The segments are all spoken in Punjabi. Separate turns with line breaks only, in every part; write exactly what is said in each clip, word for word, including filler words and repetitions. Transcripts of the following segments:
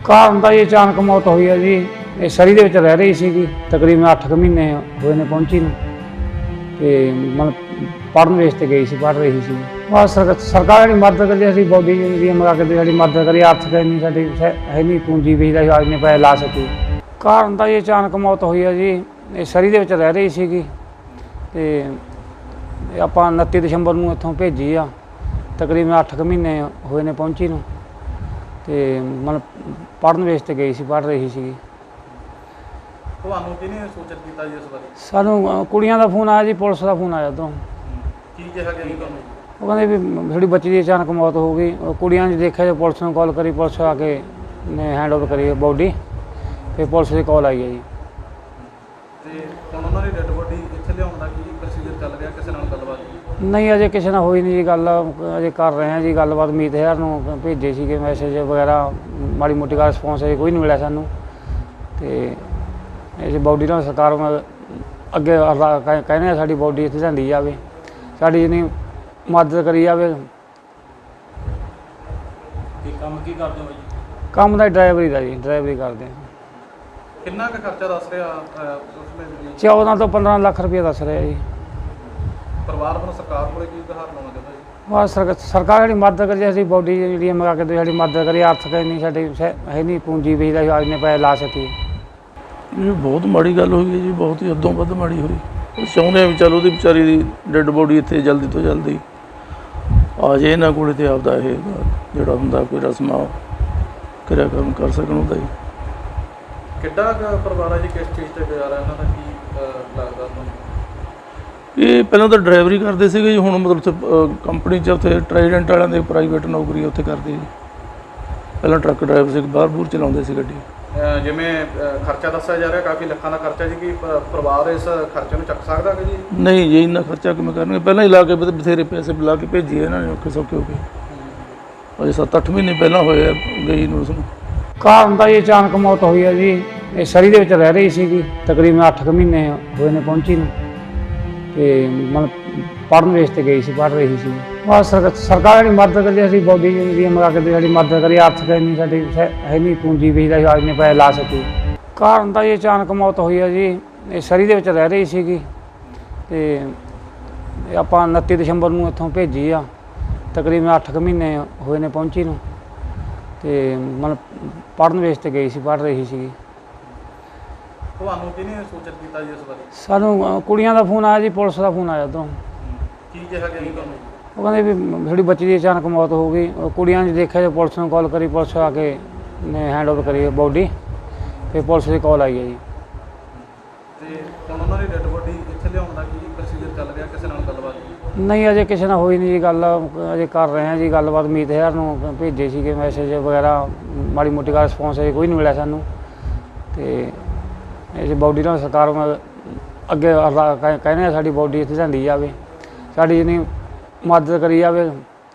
ਕਾਰਨ ਤਾਂ ਇਹ ਅਚਾਨਕ ਮੌਤ ਹੋਈ ਹੈ ਜੀ। ਇਹ ਸਰੀ ਦੇ ਵਿੱਚ ਰਹਿ ਰਹੀ ਸੀਗੀ, ਤਕਰੀਬਨ ਅੱਠ ਕੁ ਮਹੀਨੇ ਹੋਏ ਨੇ ਪਹੁੰਚੀ ਨੂੰ, ਤੇ ਮਤਲਬ ਪੜ੍ਹਨ ਵੇਸ ਤੇ ਗਈ ਸੀ, ਪੜ੍ਹ ਰਹੀ ਸੀ। ਬਸ ਸਰਕ- ਸਰਕਾਰ ਜਿਹੜੀ ਮਦਦ ਕਰੀ, ਅਸੀਂ ਬੋਡੀ ਜਿਹੜੀ ਮੰਗਾ ਕੇ ਦੇ ਸਾਡੀ ਮਦਦ ਕਰੀ। ਆਰਥਿਕ ਇੰਨੀ ਸਾਡੀ ਹੈ ਨਹੀਂ ਪੂੰਜੀ ਵੀ ਦਾ ਇੰਨੇ ਪੈਸੇ ਲਾ ਸਕੀ। ਕਾਰਨ ਤਾਂ ਇਹ ਅਚਾਨਕ ਮੌਤ ਹੋਈ ਹੈ ਜੀ। ਇਹ ਸਰੀ ਦੇ ਵਿੱਚ ਰਹਿ ਰਹੀ ਸੀਗੀ, ਤੇ ਆਪਾਂ ਉਨੱਤੀ ਦਸੰਬਰ ਨੂੰ ਇੱਥੋਂ ਭੇਜੀ ਆ, ਤਕਰੀਬਨ ਅੱਠ ਕੁ ਮਹੀਨੇ ਹੋਏ ਨੇ ਪਹੁੰਚੀ ਨੂੰ, ਤੇ ਮਤਲਬ ਪੜ੍ਹਨ ਵੇਸ ਤੇ ਗਈ ਸੀ, ਪੜ੍ਹ ਰਹੀ ਸੀਗੀ।
ਤੁਹਾਨੂੰ ਕਿਹਨੇ ਸੂਚਿਤ ਕੀਤਾ ਜੀ ਇਸ ਬਾਰੇ?
ਸਾਨੂੰ ਅ, ਕੁੜੀਆਂ ਦਾ ਫੋਨ ਆਇਆ ਜੀ, ਪੁਲਿਸ ਦਾ ਫੋਨ ਆਇਆ ਉੱਧਰੋਂ।
ਕੀ ਕਿਹਾ ਗਿਆ ਜੀ ਤੁਹਾਨੂੰ?
ਉਹ ਕਹਿੰਦੇ ਵੀ ਸਾਡੀ ਬੱਚੀ ਦੀ ਅਚਾਨਕ ਮੌਤ ਹੋ ਗਈ। ਉਹ ਕੁੜੀਆਂ ਨੇ ਦੇਖਿਆ, ਜੇ ਪੁਲਿਸ ਨੂੰ ਕਾਲ ਕਰੀ, ਪੁਲਿਸ ਆ ਕੇ ਨੇ ਹੈਂਡ ਓਵਰ ਕਰੀ ਬੋਡੀ, ਫਿਰ ਪੁਲਿਸ ਦੀ ਕਾਲ ਆਈ ਹੈ ਜੀ।
ਤੇ ਹੁਣ ਉਹਨਾਂ ਦੀ ਡੈੱਡ ਬੋਡੀ ਇੱਥੇ ਲਿਆਉਣ ਦਾ ਕੀ ਪ੍ਰੋਸੀਜਰ ਚੱਲ ਰਿਹਾ? ਕਿਸੇ ਨਾਲ ਗੱਲਬਾਤ?
ਨਹੀਂ, ਅਜੇ ਕਿਸੇ ਨਾਲ ਹੋਈ ਨਹੀਂ ਜੀ ਗੱਲ, ਅਜੇ ਕਰ ਰਹੇ ਹਾਂ ਜੀ ਗੱਲਬਾਤ। ਮੀਤ ਹਜ਼ਾਰ ਨੂੰ ਭੇਜੇ ਸੀਗੇ ਮੈਸੇਜ ਵਗੈਰਾ, ਮਾੜੀ ਮੋਟੀ ਦਾ ਰਿਸਪੌਂਸ ਅਜੇ ਕੋਈ ਨਹੀਂ ਮਿਲਿਆ ਸਾਨੂੰ। ਤੇ ਇਸ ਬੋਡੀ ਨਾਲ ਸਰਕਾਰ ਮ- ਅੱਗੇ ਅਰਦਾ- ਕਹਿ- ਕਹਿੰਦੇ ਆ ਸਾਡੀ ਬੋਡੀ ਇੱਥੇ ਲਿਆਂਦੀ ਜਾਵੇ, ਸਾਡੀ ਜਿੰਨੀ ਮਦਦ ਕਰੀ ਜਾਵੇ।
ਕੀ ਕੰਮ ਕੀ ਕਰਦੇ ਹੋ ਜੀ?
ਕੰਮ ਦਾ ਡਰਾਈਵਰੀ ਦਾ ਜੀ, ਡਰਾਈਵਰੀ ਕਰਦੇ ਹਾਂ।
ਕਿੰਨਾ ਕੁ ਖਰਚਾ ਦੱਸ ਰਿਹਾ ਉਸਨੇ?
ਚੌਦਾਂ ਤੋਂ ਪੰਦਰਾਂ ਲੱਖ ਰੁਪਏ ਦੱਸ ਰਿਹਾ ਜੀ।
ਪਰਿਵਾਰ ਵੱਲੋਂ ਸਰਕਾਰ ਕੋਲੇ ਕੀ ਗੁਹਾਰ ਲਾਉਣਾ ਚਾਹੁੰਦਾ ਜੀ?
ਬਸ ਸਰਕ- ਸਰਕਾਰ ਜਿਹੜੀ ਮਦਦ ਕਰੀ, ਅਸੀਂ ਬੋਡੀ ਜਿਹੜੀ ਮੰਗਾ ਕੇ ਦੇ ਸਾਡੀ ਮਦਦ ਕਰੀ। ਆਰਥਿਕ ਇੰਨੀ ਸਾਡੀ ਹੈ ਨਹੀਂ ਪੂੰਜੀ ਵੀ ਦਾ ਇੰਨੇ ਪੈਸੇ ਲਾ ਸਕੀ।
ਇਹ ਬਹੁਤ ਮਾੜੀ ਗੱਲ ਹੋਈ ਹੈ ਜੀ, ਬਹੁਤ ਹੀ ਹੱਦੋਂ ਵੱਧ ਮਾੜੀ ਹੋਈ। ਉਹ ਚਾਹੁੰਦੇ ਆ ਵੀ ਚਲ ਉਹਦੀ ਵਿਚਾਰੀ ਦੀ ਡੈੱਡ ਬੋਡੀ ਇੱਥੇ ਜਲਦੀ ਤੋਂ ਜਲਦੀ ਆ ਜਾਏ ਇਹਨਾਂ ਕੋਲੇ, ਤੇ ਆਪਦਾ ਇਹ ਜਿਹੜਾ ਹੁੰਦਾ ਕੋਈ ਰਸਮਾਂ ਕਿਰਿਆ ਕਰਮ ਕਰ ਸਕਣ ਉਹਦਾ ਜੀ।
ਕਿੱਡਾ ਕੁ ਪਰਿਵਾਰ ਹੈ ਜੀ? ਕਿਸ ਚੀਜ਼ ਤੇ ਗੁਜ਼ਾਰਾ ਇਹਨਾਂ ਦਾ? ਕੀ ਅਹ, ਲੱਗਦਾ ਤੁਹਾਨੂੰ?
ਇਹ ਪਹਿਲਾਂ ਤਾਂ ਡਰਾਈਵਰੀ ਕਰਦੇ ਸੀਗੇ ਜੀ, ਹੁਣ ਮਤਲਬ ਉੱਥੇ ਕੰਪਨੀ 'ਚ ਉੱਥੇ ਟਰਾਈਡੈਂਟ ਵਾਲਿਆਂ ਦੇ ਪ੍ਰਾਈਵੇਟ ਨੌਕਰੀ ਉੱਥੇ ਕਰਦੇ ਜੀ। ਪਹਿਲਾਂ ਟਰੱਕ ਡਰਾਈਵਰ ਸੀ, ਬਾਹਰ ਬੂਰ ਚਲਾਉਂਦੇ ਸੀ ਗੱਡੀ।
ਅਹ, ਜਿਵੇਂ ਅਹ, ਖਰਚਾ ਦੱਸਿਆ ਜਾ ਰਿਹਾ ਕਾਫੀ ਲੱਖਾਂ ਦਾ ਖਰਚਾ ਜੀ, ਕੀ ਪ- ਪਰਿਵਾਰ ਇਸ ਖਰਚੇ ਨੂੰ ਚੱਕ ਸਕਦਾ ਕਿ ਜੀ?
ਨਹੀਂ ਜੀ, ਇੰਨਾ ਖਰਚਾ ਕਿਵੇਂ ਕਰਨਗੇ? ਪਹਿਲਾਂ ਹੀ ਲਾ ਕੇ ਬਥ- ਬਥੇਰੇ ਪੈਸੇ ਲਾ ਕੇ ਭੇਜੀਏ ਇਹਨਾਂ ਨੇ ਔਖੇ ਸੌਖੇ ਹੋ ਕੇ। ਅਜੇ ਸੱਤ ਅੱਠ ਮਹੀਨੇ ਪਹਿਲਾਂ ਹੋਏ ਆ ਗਈ ਨੂੰ ਉਸਨੂੰ।
ਕਾਰਨ ਤਾਂ ਇਹ ਅਚਾਨਕ ਮੌਤ ਹੋਈ ਹੈ ਜੀ। ਇਹ ਸਰੀ ਦੇ ਵਿੱਚ ਰਹਿ ਰਹੀ ਸੀਗੀ, ਤਕਰੀਬਨ ਅੱਠ ਕੁ ਮਹੀਨੇ ਹੋਏ ਨੇ ਪਹੁੰਚੀ ਨੂੰ, ਤੇ ਮਤਲਬ ਪੜ੍ਹਨ ਵੇਸ ਤੇ ਗਈ ਸੀ, ਪੜ੍ਹ ਰਹੀ ਸੀ। ਬਸ ਸਰਕ- ਸਰਕਾਰ ਜਿਹੜੀ ਮਦਦ ਕਰੀ, ਅਸੀਂ ਬੋਡੀ ਜਿਹੜੀ ਮੰਗਾ ਕੇ ਦੇ ਸਾਡੀ ਮਦਦ ਕਰੀ। ਆਰਥਿਕ ਇੰਨੀ ਸਾਡੀ ਹੈ ਨਹੀਂ ਪੂੰਜੀ ਵੀ ਦਾ ਇੰਨੇ ਪੈਸੇ ਲਾ ਸਕੀ। ਕਾਰਨ ਤਾਂ ਇਹ ਅਚਾਨਕ ਮੌਤ ਹੋਈ ਹੈ ਜੀ। ਇਹ ਸਰੀ ਦੇ ਵਿੱਚ ਰਹਿ ਰਹੀ ਸੀਗੀ, ਤੇ ਆਪਾਂ ਉਨੱਤੀ ਦਸੰਬਰ ਨੂੰ ਇੱਥੋਂ ਭੇਜੀ ਆ, ਤਕਰੀਬਨ ਅੱਠ ਕੁ ਮਹੀਨੇ ਹੋਏ ਨੇ ਪਹੁੰਚੀ ਨੂੰ, ਤੇ ਮਤਲਬ ਪੜ੍ਹਨ ਵੇਸ ਤੇ ਗਈ ਸੀ, ਪੜ੍ਹ ਰਹੀ ਸੀਗੀ।
ਤੁਹਾਨੂੰ ਕਿਹਨੇ ਸੂਚਿਤ ਕੀਤਾ ਜੀ ਇਸ ਬਾਰੇ?
ਸਾਨੂੰ ਅ, ਕੁੜੀਆਂ ਦਾ ਫੋਨ ਆਇਆ ਜੀ, ਪੁਲਿਸ ਦਾ ਫੋਨ ਆਇਆ ਉੱਧਰੋਂ।
ਕੀ ਕਿਹਾ ਗਿਆ ਜੀ ਤੁਹਾਨੂੰ?
ਉਹ ਕਹਿੰਦੇ ਵੀ ਸਾਡੀ ਬੱਚੀ ਦੀ ਅਚਾਨਕ ਮੌਤ ਹੋ ਗਈ। ਉਹ ਕੁੜੀਆਂ ਨੇ ਦੇਖਿਆ, ਜੇ ਪੁਲਿਸ ਨੂੰ ਕਾਲ ਕਰੀ, ਪੁਲਿਸ ਆ ਕੇ ਨੇ ਹੈਂਡ ਓਵਰ ਕਰੀ ਬੋਡੀ, ਫਿਰ ਪੁਲਿਸ ਦੀ ਕਾਲ ਆਈ ਹੈ ਜੀ।
ਤੇ ਹੁਣ ਉਹਨਾਂ ਦੀ ਡੈੱਡ ਬੋਡੀ ਇੱਥੇ ਲਿਆਉਣ ਦਾ ਕੀ ਪ੍ਰੋਸੀਜਰ ਚੱਲ ਰਿਹਾ? ਕਿਸੇ ਨਾਲ ਗੱਲਬਾਤ?
ਨਹੀਂ, ਅਜੇ ਕਿਸੇ ਨਾਲ ਹੋਈ ਨਹੀਂ ਜੀ ਗੱਲ, ਅਜੇ ਕਰ ਰਹੇ ਹਾਂ ਜੀ ਗੱਲਬਾਤ। ਮੀਤ ਹਜ਼ਾਰ ਨੂੰ ਭੇਜੇ ਸੀਗੇ ਮੈਸੇਜ ਵਗੈਰਾ, ਮਾੜੀ ਮੋਟੀ ਦਾ ਰਿਸਪੌਂਸ ਅਜੇ ਕੋਈ ਨਹੀਂ ਮਿਲਿਆ ਸਾਨੂੰ। ਤੇ ਇਸ ਬੋਡੀ ਨਾਲ ਸਰਕਾਰ ਮ- ਅੱਗੇ ਅਰਦਾ- ਕਹਿ- ਕਹਿੰਦੇ ਆ ਸਾਡੀ ਬੋਡੀ ਇੱਥੇ ਲਿਆਂਦੀ ਜਾਵੇ, ਸਾਡੀ ਜਿੰਨੀ ਮਦਦ ਕਰੀ ਜਾਵੇ।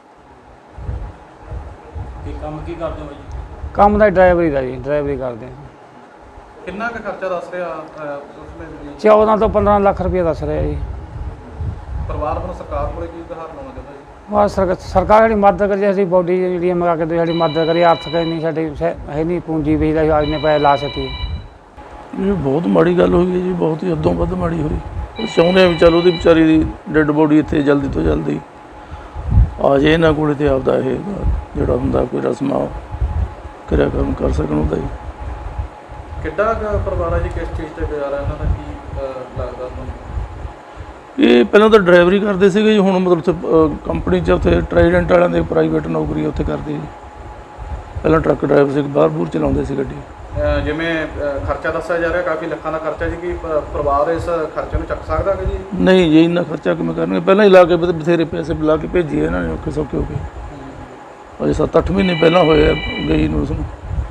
ਕੀ ਕੰਮ ਕੀ ਕਰਦੇ ਹੋ ਜੀ?
ਕੰਮ ਦਾ ਡਰਾਈਵਰੀ ਦਾ ਜੀ, ਡਰਾਈਵਰੀ ਕਰਦੇ ਹਾਂ।
ਕਿੰਨਾ ਕੁ ਖਰਚਾ ਦੱਸ ਰਿਹਾ ਉਸਨੇ?
ਚੌਦਾਂ ਤੋਂ ਪੰਦਰਾਂ ਲੱਖ ਰੁਪਏ ਦੱਸ ਰਿਹਾ ਜੀ।
ਪਰਿਵਾਰ ਵੱਲੋਂ ਸਰਕਾਰ ਕੋਲੇ ਕੀ ਗੁਹਾਰ ਲਾਉਣਾ ਚਾਹੁੰਦਾ ਜੀ?
ਬਸ ਸਰਕ- ਸਰਕਾਰ ਜਿਹੜੀ ਮਦਦ ਕਰੀ, ਅਸੀਂ ਬੋਡੀ ਜਿਹੜੀ ਮੰਗਾ ਕੇ ਦੇ ਸਾਡੀ ਮਦਦ ਕਰੀ। ਆਰਥਿਕ ਇੰਨੀ ਸਾਡੀ ਹੈ ਨਹੀਂ ਪੂੰਜੀ ਵੀ ਦਾ ਇੰਨੇ ਪੈਸੇ ਲਾ ਸਕੀ।
ਇਹ ਬਹੁਤ ਮਾੜੀ ਗੱਲ ਹੋਈ ਹੈ ਜੀ, ਬਹੁਤ ਹੀ ਹੱਦੋਂ ਵੱਧ ਮਾੜੀ ਹੋਈ। ਉਹ ਚਾਹੁੰਦੇ ਆ ਵੀ ਚਲ ਉਹਦੀ ਵਿਚਾਰੀ ਦੀ ਡੈੱਡ ਬੋਡੀ ਇੱਥੇ ਜਲਦੀ ਤੋਂ ਜਲਦੀ ਆ ਜਾਏ ਇਹਨਾਂ ਕੋਲੇ, ਤੇ ਆਪਦਾ ਇਹ ਜਿਹੜਾ ਹੁੰਦਾ ਕੋਈ ਰਸਮਾਂ ਕਿਰਿਆ ਕਰਮ ਕਰ ਸਕਣ ਉਹਦਾ ਜੀ।
ਕਿੱਡਾ ਕੁ ਪਰਿਵਾਰ ਹੈ ਜੀ? ਕਿਸ ਚੀਜ਼ ਤੇ ਗੁਜ਼ਾਰਾ ਇਹਨਾਂ ਦਾ? ਕੀ ਅਹ, ਲੱਗਦਾ ਤੁਹਾਨੂੰ?
ਇਹ ਪਹਿਲਾਂ ਤਾਂ ਡਰਾਈਵਰੀ ਕਰਦੇ ਸੀਗੇ ਜੀ, ਹੁਣ ਮਤਲਬ ਉੱਥੇ ਕੰਪਨੀ 'ਚ ਉੱਥੇ ਟਰਾਈਡੈਂਟ ਵਾਲਿਆਂ ਦੇ ਪ੍ਰਾਈਵੇਟ ਨੌਕਰੀ ਉੱਥੇ ਕਰਦੇ ਜੀ। ਪਹਿਲਾਂ ਟਰੱਕ ਡਰਾਈਵਰ ਸੀ, ਬਾਹਰ ਬੂਰ ਚਲਾਉਂਦੇ ਸੀ ਗੱਡੀ।
ਅਹ, ਜਿਵੇਂ ਅਹ, ਖਰਚਾ ਦੱਸਿਆ ਜਾ ਰਿਹਾ ਕਾਫੀ ਲੱਖਾਂ ਦਾ ਖਰਚਾ ਜੀ, ਕੀ ਪ- ਪਰਿਵਾਰ ਇਸ ਖਰਚੇ ਨੂੰ ਚੱਕ ਸਕਦਾ ਕਿ ਜੀ?
ਨਹੀਂ ਜੀ, ਇੰਨਾ ਖਰਚਾ ਕਿਵੇਂ ਕਰਨਗੇ? ਪਹਿਲਾਂ ਹੀ ਲਾ ਕੇ ਬਥ- ਬਥੇਰੇ ਪੈਸੇ ਲਾ ਕੇ ਭੇਜੀਏ ਇਹਨਾਂ ਨੇ ਔਖੇ ਸੌਖੇ ਹੋ ਕੇ। ਅਜੇ ਸੱਤ ਅੱਠ ਮਹੀਨੇ ਪਹਿਲਾਂ ਹੋਏ ਆ ਗਈ ਨੂੰ ਉਸਨੂੰ।